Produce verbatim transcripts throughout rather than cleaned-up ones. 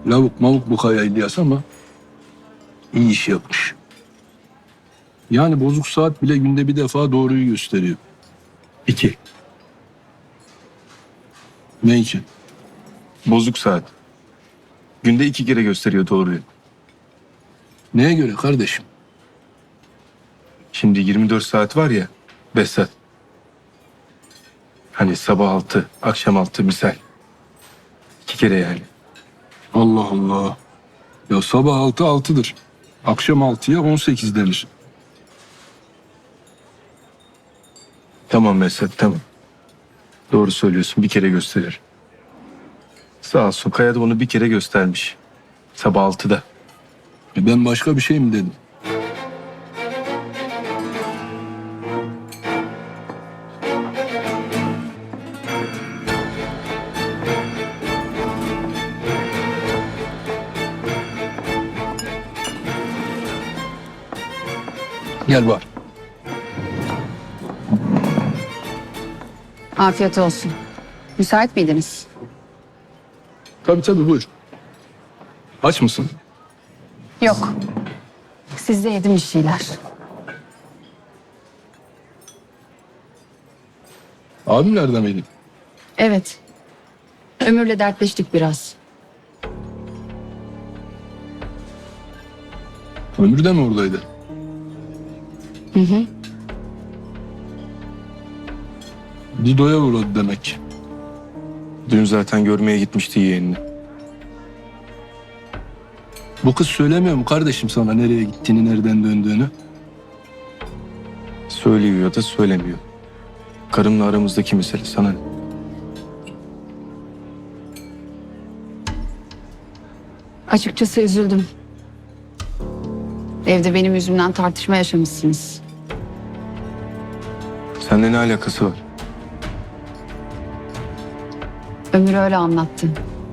Lavuk mavuk bu kaya İlyas ama iyi iş yapmış. Yani bozuk saat bile günde bir defa doğruyu gösteriyor. İki. Ne için? Bozuk saat. Günde iki kere gösteriyor doğruyu. Neye göre kardeşim? Şimdi yirmi dört saat var ya Behzat. Hani sabah altı, akşam altı misal. İki kere yani. Allah Allah. Ya sabah altı altıdır. Akşam altıya on sekiz denir. Tamam Behzat tamam. Doğru söylüyorsun bir kere gösterir. Sağ olsun Kaya da onu bir kere göstermiş. Sabah altıda. E ben başka bir şey mi dedim? Gel var. Afiyet olsun. Müsait miydiniz? Tabii tabii buyur. Aç mısın? Yok. Sizde yedim bir şeyler. Abim nerede miydi? Evet. Ömür'le dertleştik biraz. Ömür de mi oradaydı? Hı hı. Dido'ya uğradı demek ki. Dün zaten görmeye gitmişti yeğenini. Bu kız söylemiyor mu kardeşim sana nereye gittiğini, nereden döndüğünü? Söylüyor ya da söylemiyor. Karımla aramızdaki mesele sana ne? Açıkçası üzüldüm. Evde benim yüzümden tartışma yaşamışsınız. Seninle ne alakası var? Ömür öyle anlattı.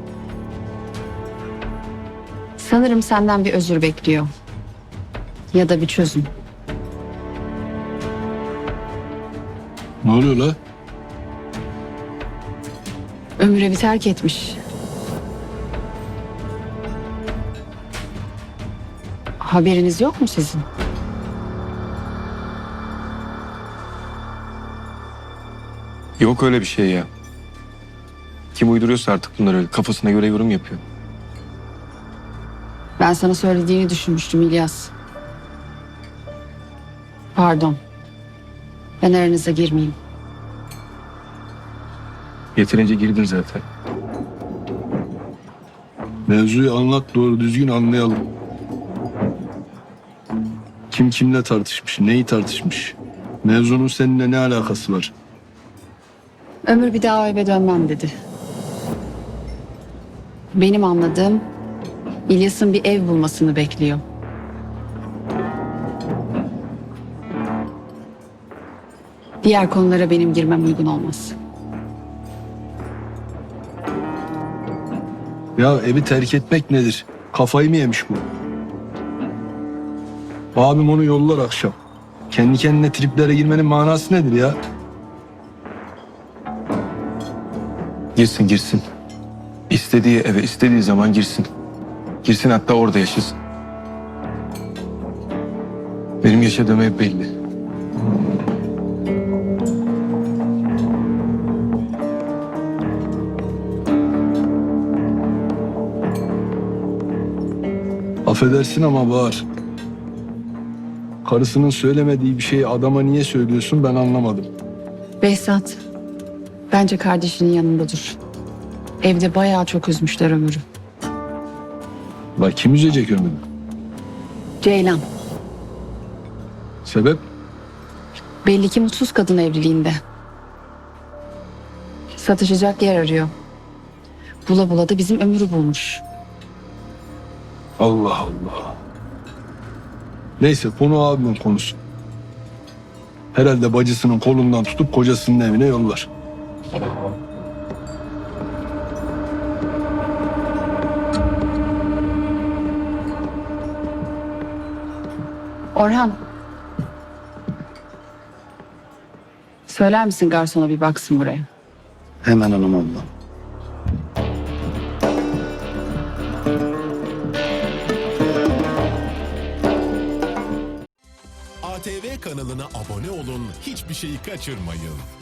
Sanırım senden bir özür bekliyor. Ya da bir çözüm. Ne oluyor la? Ömür bir terk etmiş. Haberiniz yok mu sizin? Yok öyle bir şey ya. Kim uyduruyorsa artık bunları öyle kafasına göre yorum yapıyor. Ben sana söylediğini düşünmüştüm İlyas. Pardon. Ben aranıza girmeyeyim. Yeterince girdin zaten. Mevzuyu anlat doğru düzgün anlayalım. Kim kimle tartışmış, neyi tartışmış? Mevzunun seninle ne alakası var? Ömür bir daha eve dönmem dedi. Benim anladığım İlyas'ın bir ev bulmasını bekliyor. Diğer konulara benim girmem uygun olmaz. Ya evi terk etmek nedir? Kafayı mı yemiş bu? Abim onu yollar akşam. Kendi kendine triplere girmenin manası nedir ya? Girsin girsin. İstediği eve istediği zaman girsin. Girsin hatta orada yaşasın. Benim yaşadığım ev belli. Affedersin ama Bahar. Karısının söylemediği bir şeyi adama niye söylüyorsun ben anlamadım. Behzat, bence kardeşinin yanında dur. Evde bayağı çok üzmüşler Ömür'ü. La kim üzecek ömrünü? Ceylan, Sebep? belli ki mutsuz kadın evliliğinde. Satışacak yer arıyor. Bula bula da bizim Ömür'ü bulmuş. Allah Allah. Neyse konu abimin konusu. Herhalde bacısının kolundan tutup kocasının evine yollar. Orhan. Söyler misin garsona bir baksın buraya? Hemen hanım abla. kanalına abone olun, hiçbir şeyi kaçırmayın.